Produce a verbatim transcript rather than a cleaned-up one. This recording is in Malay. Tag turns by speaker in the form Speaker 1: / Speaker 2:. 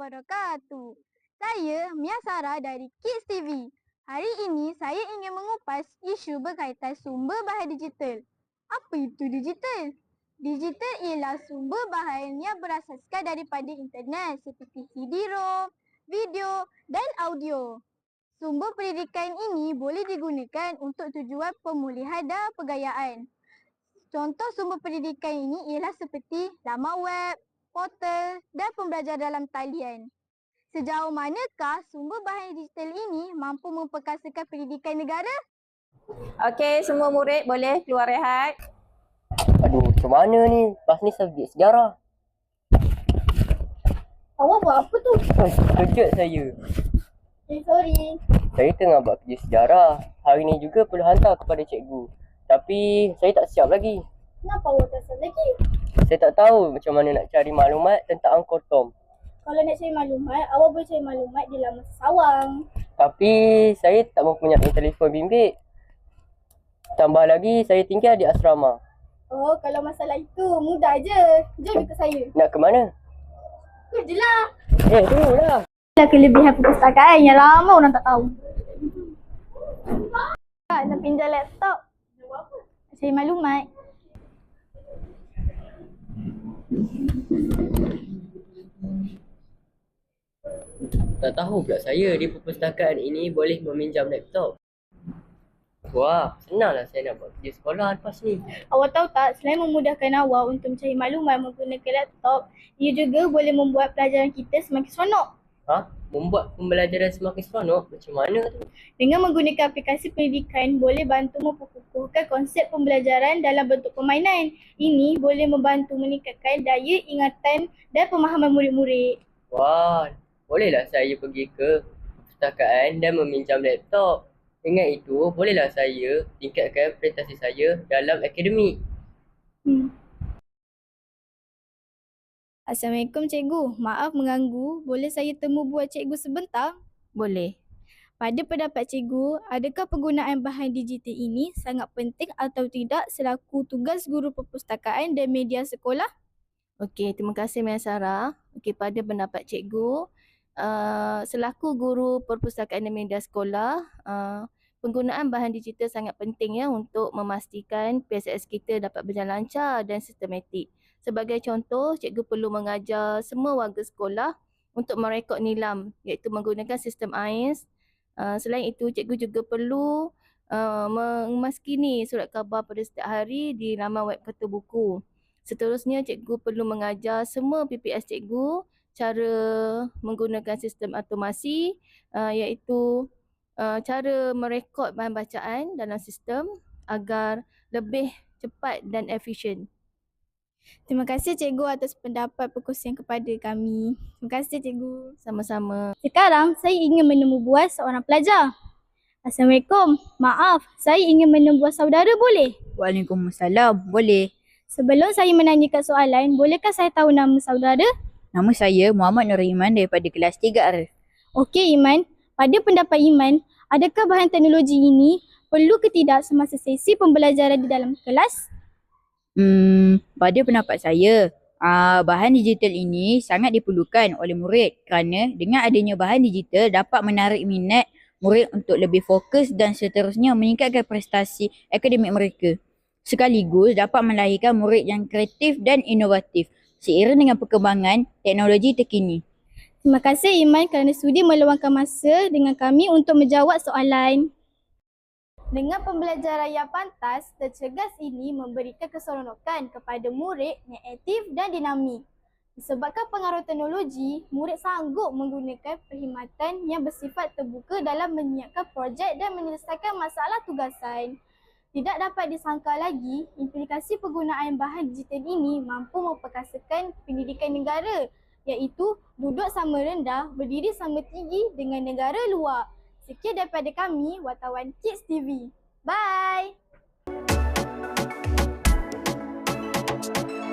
Speaker 1: wabarakatuh. Saya Mia Sarah dari Kids T V. Hari ini saya ingin mengupas isu berkaitan sumber bahan digital. Apa itu digital? Digital ialah sumber bahan yang berasaskan daripada internet seperti C D-ROM, video dan audio. Sumber pendidikan ini boleh digunakan untuk tujuan pemulihan dan pergayaan. Contoh sumber pendidikan ini ialah seperti laman web, portal dan pembelajaran dalam talian. Sejauh manakah sumber bahan digital ini mampu memperkasakan pendidikan negara?
Speaker 2: Okey, semua murid boleh keluar rehat.
Speaker 3: Aduh, macam mana ni? Lepas ni subjek sejarah.
Speaker 1: Awak buat apa tu?
Speaker 3: Eh, kejut saya.
Speaker 1: Eh, sorry.
Speaker 3: Saya tengah buat kerja sejarah. Hari ni juga perlu hantar kepada cikgu. Tapi saya tak siap lagi.
Speaker 1: Kenapa awak tak siap lagi?
Speaker 3: Saya tak tahu macam mana nak cari maklumat tentang Angkotom.
Speaker 1: Kalau nak cari maklumat, awak boleh cari maklumat di laman Sawang.
Speaker 3: Tapi saya tak mempunyai telefon bimbit. Tambah lagi saya tinggal di asrama.
Speaker 1: Oh, kalau masalah itu mudah je. Jom ikut saya.
Speaker 3: Nak ke mana?
Speaker 1: Ikut je lah.
Speaker 3: Eh, tunggulah.
Speaker 1: Itulah kelebihan perpustakaan yang lama orang tak tahu. Kak, nak pinjam laptop. Nak buat apa? Nak cari maklumat.
Speaker 3: Tak tahu pula saya di perpustakaan ini boleh meminjam laptop. Wah, senanglah saya nak buat kerja sekolah lepas ni.
Speaker 1: Awak tahu tak, selain memudahkan awak untuk mencari maklumat menggunakan laptop, ia juga boleh membuat pelajaran kita semakin seronok.
Speaker 3: Ha? Membuat pembelajaran semakin seronok? Macam mana tu?
Speaker 1: Dengan menggunakan aplikasi pendidikan, boleh bantu memperkukuhkan konsep pembelajaran dalam bentuk permainan. Ini boleh membantu meningkatkan daya ingatan dan pemahaman murid-murid.
Speaker 3: Wah, bolehlah saya pergi ke perpustakaan dan meminjam laptop. Dengan itu, bolehlah saya tingkatkan prestasi saya dalam akademik.
Speaker 1: Hmm. Assalamualaikum cikgu. Maaf mengganggu. Boleh saya temu buat cikgu sebentar?
Speaker 2: Boleh.
Speaker 1: Pada pendapat cikgu, adakah penggunaan bahan digital ini sangat penting atau tidak selaku tugas guru perpustakaan dan media sekolah?
Speaker 2: Okey, terima kasih Mia Sarah. Okey, pada pendapat cikgu, uh, selaku guru perpustakaan dan media sekolah, uh, penggunaan bahan digital sangat penting ya untuk memastikan P S S kita dapat berjalan lancar dan sistematik. Sebagai contoh, cikgu perlu mengajar semua warga sekolah untuk merekod nilam iaitu menggunakan sistem A I S. Uh, selain itu, cikgu juga perlu uh, memaskini surat khabar pada setiap hari di laman web Kerta Buku. Seterusnya, cikgu perlu mengajar semua P P S cikgu cara menggunakan sistem automasi uh, iaitu uh, cara merekod bahan bacaan dalam sistem agar lebih cepat dan efisien.
Speaker 1: Terima kasih cikgu atas pendapat perkongsian kepada kami. Terima kasih cikgu.
Speaker 2: Sama-sama.
Speaker 1: Sekarang saya ingin menemu buah seorang pelajar. Assalamualaikum. Maaf, saya ingin menemu buah saudara boleh?
Speaker 4: Waalaikumsalam, boleh.
Speaker 1: Sebelum saya menanyakan soalan, bolehkah saya tahu nama saudara?
Speaker 4: Nama saya Muhammad Nur Iman daripada kelas tiga Arif.
Speaker 1: Okey Iman, pada pendapat Iman, adakah bahan teknologi ini perlu ke tidak semasa sesi pembelajaran di dalam kelas?
Speaker 4: Hmm, pada pendapat saya, aa, bahan digital ini sangat diperlukan oleh murid kerana dengan adanya bahan digital dapat menarik minat murid untuk lebih fokus dan seterusnya meningkatkan prestasi akademik mereka. Sekaligus dapat melahirkan murid yang kreatif dan inovatif seiring dengan perkembangan teknologi terkini.
Speaker 1: Terima kasih Iman kerana sudi meluangkan masa dengan kami untuk menjawab soalan. Dengan pembelajaran yang pantas, tercergas ini memberikan keseronokan kepada murid yang aktif dan dinamik. Disebabkan pengaruh teknologi, murid sanggup menggunakan perkhidmatan yang bersifat terbuka dalam menyiapkan projek dan menyelesaikan masalah tugasan. Tidak dapat disangka lagi, implikasi penggunaan bahan digital ini mampu memperkasakan pendidikan negara, iaitu duduk sama rendah, berdiri sama tinggi dengan negara luar. Sekian daripada kami, wartawan Kids T V. Bye!